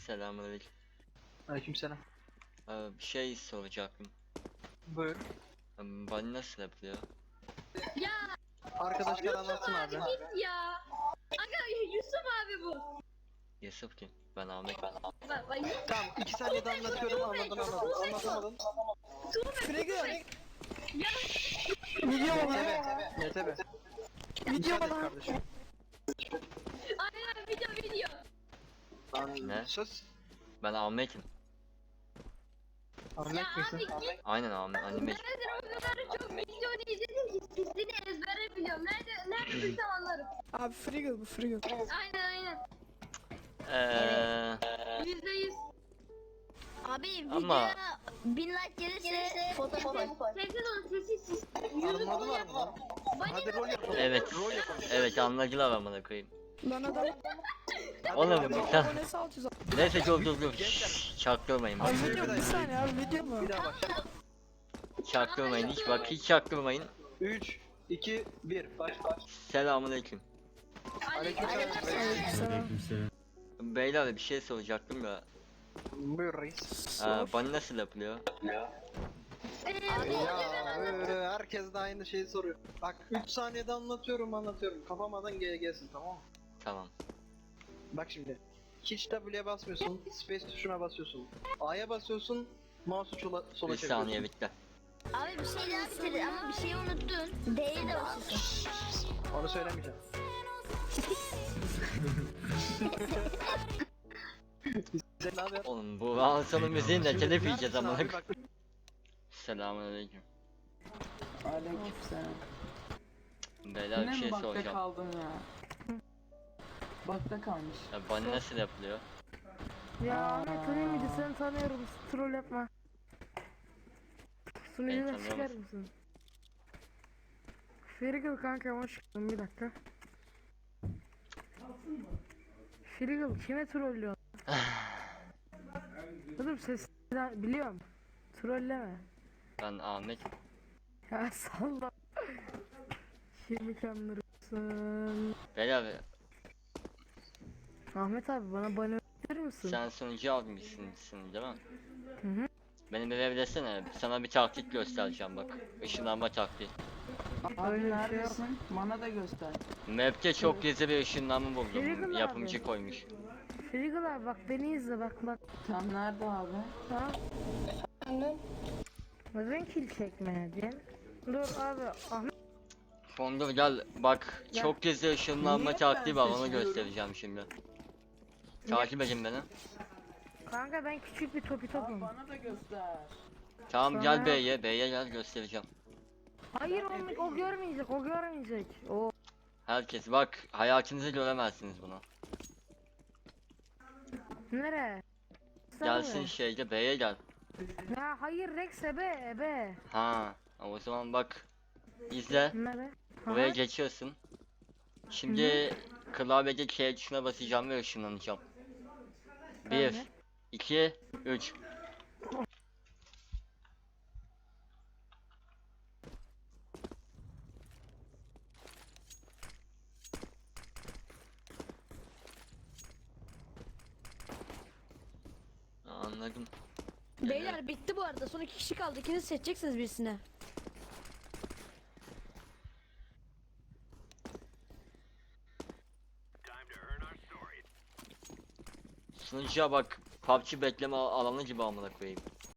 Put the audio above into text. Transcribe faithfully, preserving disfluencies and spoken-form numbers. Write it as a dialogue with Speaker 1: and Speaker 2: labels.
Speaker 1: Selamünaleyküm.
Speaker 2: Aleykümselam.
Speaker 1: Ee, bir şey soracaktım.
Speaker 2: Buyur.
Speaker 1: Ee, Bani nasıl yapılıyor?
Speaker 3: Ya
Speaker 2: Arkadaşlar anlatsın abi.
Speaker 3: git ya. Aga Yusuf abi bu.
Speaker 1: Yusuf kim? Ben Ahmet. Ben
Speaker 3: Bak bak Yusuf.
Speaker 2: Tamam iki saniyede anlatıyorum, anladın anladın. Anlatamadın.
Speaker 3: Frege. Ya
Speaker 2: Video mu? Evet. Evet evet. Video mu kardeşim?
Speaker 3: aynen video video.
Speaker 2: Lan
Speaker 1: Ne?
Speaker 2: sus.
Speaker 1: Ben Ahmet'im.
Speaker 2: Ahmet
Speaker 3: Ya
Speaker 2: misin?
Speaker 3: abi git.
Speaker 1: Aynen Ahmet. Anime.
Speaker 3: Neredir o kadar çok videonu izledim ki sesini ezbere biliyorum. Nerede neredeyse anlarım.
Speaker 4: Abi Friggle bu Friggle.
Speaker 3: Aynen aynen.
Speaker 1: Eee
Speaker 3: Yüzde yüz.
Speaker 5: Abi videoya
Speaker 1: Ama-
Speaker 5: bin like gelirse fotoğraf koy.
Speaker 3: Sessiz olun sessiz siz.
Speaker 2: Armadı var mı lan?
Speaker 3: Bani
Speaker 2: Hadi rol yapalım.
Speaker 1: evet.
Speaker 2: Rol yapalım.
Speaker 1: Evet anladılar amına koyayım.
Speaker 4: Lan adam
Speaker 2: Hadi
Speaker 1: Oğlum,
Speaker 2: rol yapalım.
Speaker 1: tamam.
Speaker 4: abonesi altı yüz.
Speaker 1: Neyse dur dur dur. Şşş, çaktırmayın bak.
Speaker 4: Abi video mu? Bir saniye abi video mu?
Speaker 2: Bir daha başla.
Speaker 1: Çaktırmayın hiç bak hiç çaktırmayın.
Speaker 2: üç, iki, bir. Başla.
Speaker 1: Selamünaleyküm.
Speaker 2: Aleykümselam.
Speaker 4: Aleykümselam.
Speaker 1: Beyler bir şey soracaktım da.
Speaker 2: Buyur reis.
Speaker 1: Ee, Bani nasıl yapılıyor?
Speaker 2: Ya öyle herkes de aynı şeyi soruyor. Bak üç saniyede anlatıyorum anlatıyorum. Kafamadan gel gelsin, tamam mı?
Speaker 1: Tamam.
Speaker 2: Bak şimdi. Hiç W'ye basmıyorsun, space tuşuna basıyorsun. A'ya basıyorsun, mouse'u sola, sola
Speaker 1: Bir
Speaker 2: çeviriyorsun.
Speaker 1: saniye bitti.
Speaker 5: Abi bir şey daha bitirdi ama bir şey unuttun. D'ye de basıyorsun.
Speaker 2: Onu söylemeyeceğim. Sen ne haber?
Speaker 1: Oğlum bu Hanson'un müziğini de
Speaker 2: Şimdi
Speaker 1: telif yiyeceğiz
Speaker 2: neredesin
Speaker 1: amına
Speaker 2: abi?
Speaker 1: koyayım.
Speaker 2: Bak,
Speaker 6: Selamünaleyküm.
Speaker 7: Aleykümselam.
Speaker 1: Beyler bir
Speaker 7: Yine
Speaker 1: şey
Speaker 7: mi bakta
Speaker 1: soracağım.
Speaker 7: kaldın ya? Bakta kalmış.
Speaker 1: Ya Bani nasıl yapılıyor?
Speaker 8: Ya
Speaker 7: Aa.
Speaker 8: Ahmet tanıyor muydu? Seni tanıyorum. Troll yapma.
Speaker 1: Beni
Speaker 8: Sunucudan
Speaker 1: tanıyor
Speaker 8: çıkar
Speaker 1: musun?
Speaker 8: mısın? Friggle kanka hoş geldin, bir dakika. Friggle kime trollüyorsun? Oğlum sesinden biliyorum. Trolleme.
Speaker 1: Ben Ahmet.
Speaker 8: Ya salla. Kimi kandırırsın?
Speaker 1: Beyler
Speaker 8: Ahmet abi bana bana verir misin?
Speaker 1: sen sunucu almışsın değil mi?
Speaker 8: Hı hı.
Speaker 1: Beni bir verebilsene. Sana bir taktik göstereceğim bak. Işınlanma taktiği.
Speaker 7: Abi
Speaker 8: Öyle bir şey
Speaker 7: neredesin? Bana da göster.
Speaker 1: Map'te çok gizli bir ışınlanma
Speaker 8: Friggle
Speaker 1: buldum.
Speaker 8: abi.
Speaker 1: Yapımcı koymuş.
Speaker 8: Friggle abi bak beni izle bak bak.
Speaker 7: Tam nerede abi?
Speaker 8: Ha? Neden kill çekmedin? Dur abi Ahmet.
Speaker 1: Fondur gel bak.
Speaker 8: Gel.
Speaker 1: Çok gizli ışınlanma
Speaker 7: Niye
Speaker 1: taktiği
Speaker 7: ben
Speaker 1: var onu
Speaker 7: seçmiyorum?
Speaker 1: göstereceğim şimdi. Takip edin beni.
Speaker 8: Kanka ben küçük bir topi
Speaker 7: Abi
Speaker 8: topum.
Speaker 7: bana da göster.
Speaker 1: Tamam
Speaker 8: Sana-
Speaker 1: gel B'ye. B'ye gel göstereceğim.
Speaker 8: Hayır o, o görmeyecek, o görmeyecek. O
Speaker 1: Herkes bak hayatınızı göremezsiniz bunu.
Speaker 8: nere?
Speaker 1: Gelsin şeyde B'ye gel.
Speaker 8: Ya hayır Rex ebe ebe.
Speaker 1: Ha o zaman bak. İzle.
Speaker 8: Nere?
Speaker 1: Buraya
Speaker 8: Aha.
Speaker 1: geçiyorsun. Şimdi klavyede K tuşuna basacağım ve ışınlanacağım. Bir,
Speaker 8: Tamam.
Speaker 1: iki, üç. Anladım.
Speaker 5: Beyler bitti bu arada. Son iki kişi kaldı. İkiniz seçeceksiniz birisine.
Speaker 1: Sunucuya bak. P U B G bekleme al- alanı gibi amına koyayım.